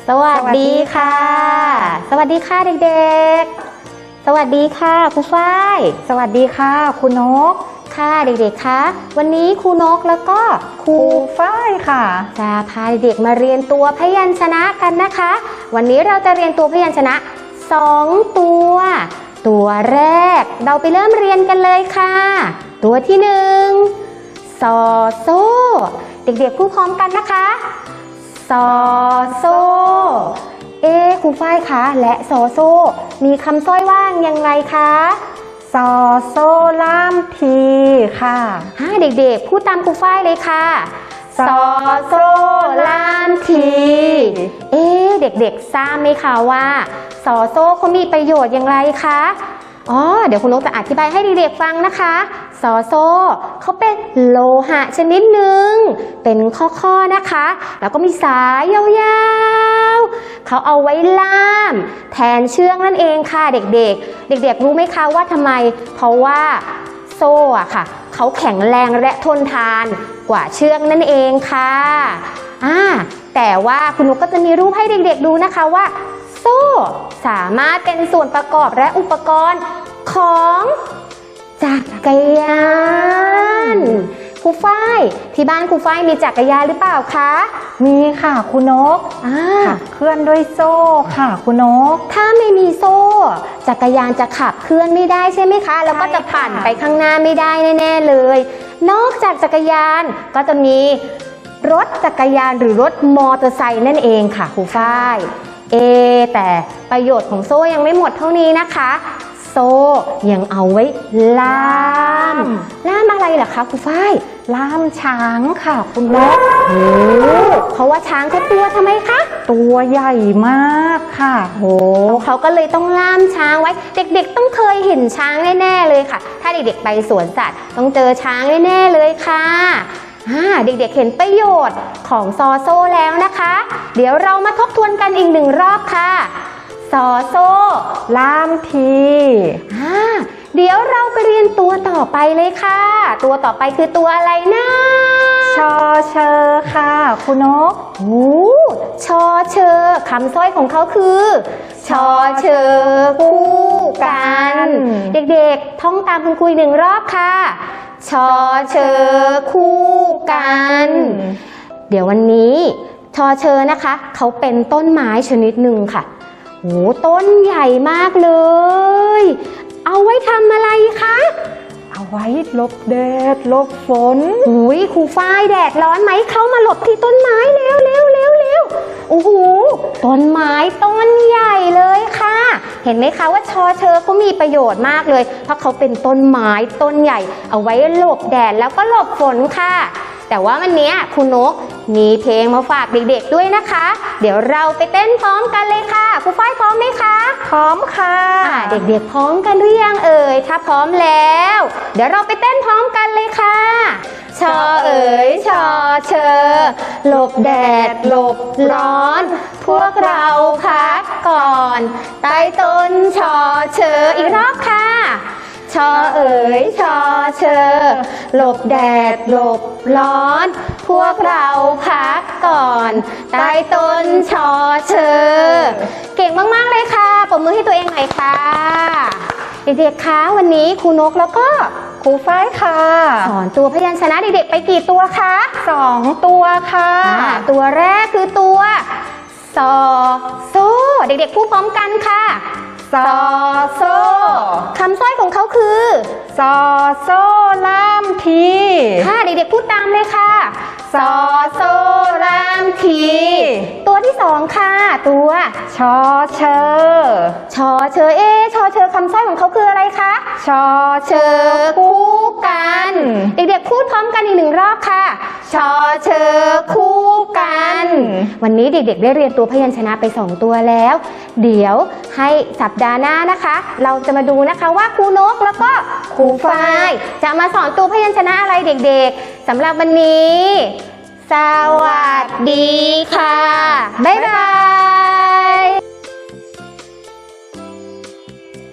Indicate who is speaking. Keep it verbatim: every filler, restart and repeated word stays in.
Speaker 1: สวัสดีค่ะสวัสดีค่ะเด็กๆสวัสดีค่ะครูฝ้าย
Speaker 2: สวัสดีค่ะครูนก
Speaker 1: ค่ะเด็กๆคะวันนี้ครูนกแล้วก็ครู
Speaker 2: ฝ้ายค่ะ
Speaker 1: จะพาเด็กๆมาเรียนตัวพยัญชนะกันนะคะวันนี้เราจะเรียนตัวพยัญชนะสองตัวตัวแรกเราไปเริ่มเรียนกันเลยค่ะตัวที่หนึ่งซอโซ่เด็กๆพูดพร้อมกันนะคะซอโซ่เอ๊ครูฝ้ายคะและซอโซ่มีคำสร้อยว่างอย่างไรคะ
Speaker 2: ซอโซ่ล่ามทีค่ะ
Speaker 1: ฮะเด็กๆพูดตามครูฝ้ายเลยค่ะซอโซ่ล่ามทีเอ๊เด็กๆทราบไหมคะว่าซอโซ่เขามีประโยชน์อย่างไรคะอ๋อเดี๋ยวคุณนกจะอธิบายให้เด็กๆฟังนะคะซอโซ่เขาเป็นโลหะชนิดหนึ่งเป็นข้อๆนะคะแล้วก็มีสายยาวๆเขาเอาไว้ล่ามแทนเชือกนั่นเองค่ะเด็กๆเด็กๆรู้ไหมคะว่าทำไมเพราะว่าโซ่อะค่ะเขาแข็งแรงและทนทานกว่าเชือกนั่นเองค่ะอ่าแต่ว่าคุณนกก็จะมีรูปให้เด็กๆดูนะคะว่าโซ่สามารถเป็นส่วนประกอบและอุปกรณ์ของจักรยานครูฝ้ายที่บ้านครูฝ้ายมีจักรยานหรือเปล่าคะ
Speaker 2: มีค่ะครูนกขับเคลื่อนด้วยโซ่ค่ะครูนก
Speaker 1: ถ้าไม่มีโซ่จักรยานจะขับเคลื่อนไม่ได้ใช่ไหมคะแล้วก็จะปั่นไปข้างหน้าไม่ได้แน่ๆเลยนอกจากจักรยานก็จะมีรถจักรยานหรือรถมอเตอร์ไซค์นั่นเองค่ะครูฝ้ายเอแต่ประโยชน์ของโซ่ยังไม่หมดเท่านี้นะคะโซ่ยังเอาไว้ล่ามล่ามอะไรเหรอคะครูฝ้าย
Speaker 2: ล่ามช้างค่ะคุณนก
Speaker 1: โอ้เพราะว่าช้างเขาตัวทำไมคะ
Speaker 2: ตัวใหญ่มากค่ะ
Speaker 1: โอ้เขาก็เลยต้องล่ามช้างไว้เด็กๆต้องเคยเห็นช้างแน่ๆเลยค่ะถ้าเด็กๆไปสวนสัตว์ต้องเจอช้างแน่ๆเลยค่ะเด็กๆเห็นประโยชน์ของซอโซ่แล้วนะคะเดี๋ยวเรามาทบทวนกันอีกหนึ่งรอบค่ะซอโซ่
Speaker 2: ล่ามที
Speaker 1: เดี๋ยวเราไปเรียนตัวต่อไปเลยค่ะตัวต่อไปคือตัวอะไรนะ
Speaker 2: ชอเชอค่ะคุณนก
Speaker 1: โอ้ชอเชอคำสร้อยของเขาคือชอเชอคู่กันเด็กๆท่องตามคุณครูหนึ่งรอบค่ะชอเชอคู่กันเดี๋ยววันนี้ชอเชอนะคะเขาเป็นต้นไม้ชนิดหนึ่งค่ะโอ้ต้นใหญ่มากเลยเอาไว้ทำอะไรคะ
Speaker 2: เอาไว้หลบแดดหลบฝน
Speaker 1: อุ้ยครูฝ้ายแดดร้อนไหมเข้ามาหลบที่ต้นไม้เร็วเร็วเร็วเร็วโอ้โหต้นไม้ต้นใหญ่เลยค่ะเห็นไหมคะว่าชอเชอเขามีประโยชน์มากเลยเพราะเขาเป็นต้นไม้ต้นใหญ่เอาไว้หลบแดดแล้วก็หลบฝนค่ะแต่ว่าวันนี้คุณนกมีเพลงมาฝากเด็กๆด้วยนะคะเดี๋ยวเราไปเต้นพร้อมกันเลยค่ะครูฝ้ายพร้อมไหมคะ
Speaker 2: พร้อมค่ะ
Speaker 1: เด็กๆพร้อมกันหรือยังเอ่ยถ้าพร้อมแล้วเดี๋ยวเราไปเต้นพร้อมกันเลยค่ะชอเอ๋ยชอเชอหลบแดดหลบร้อนพวกเราพักก่อนใต้ต้นชอเชออีกรอบค่ะชอเอ๋ยชอเชอหลบแดดหลบร้อนพวกเราพักก่อนใต้ต้นชอเชอเก่งมากๆเลยค่ะปรบมือให้ตัวเองหน่อยค่ะเด็กๆคะวันนี้ครูนกแล้วก็
Speaker 2: ครูฝ้ายค่ะ
Speaker 1: สอนตัวพยัญชนะเด็กๆไปกี่ตัวคะ
Speaker 2: สองตัวค่ะ
Speaker 1: ตัวแรกคือตัวซอโซ่เด็กๆพูดพร้อมกันค่ะ
Speaker 2: ซอโซ่
Speaker 1: คำสร้อยของเขาคือ
Speaker 2: ซอโซ่ล่ามที
Speaker 1: ค่ะเด็กๆพูดตามเลยค่ะซอโซ่ล่ามทีตัวที่สองค่ะตัว
Speaker 2: ชอเชอ
Speaker 1: ชอเชอเอชอเชอคำสร้อยของเขาคืออะไรคะ
Speaker 2: ชอเชอ
Speaker 1: คู่กันเด็กๆพูดพร้อมกันอีกหนึ่งรอบค่ะชอเชอคู่กันวันนี้เด็กๆได้เรียนตัวพยัญชนะไปสองตัวแล้วเดี๋ยวให้สัปดาห์หน้านะคะเราจะมาดูนะคะว่าครูนกแล้วก็ครูฝ้ายจะมาสอนตัวพยัญชนะอะไรเด็กๆสำหรับวันนี้สวัสดีค่ะบ๊ายบาย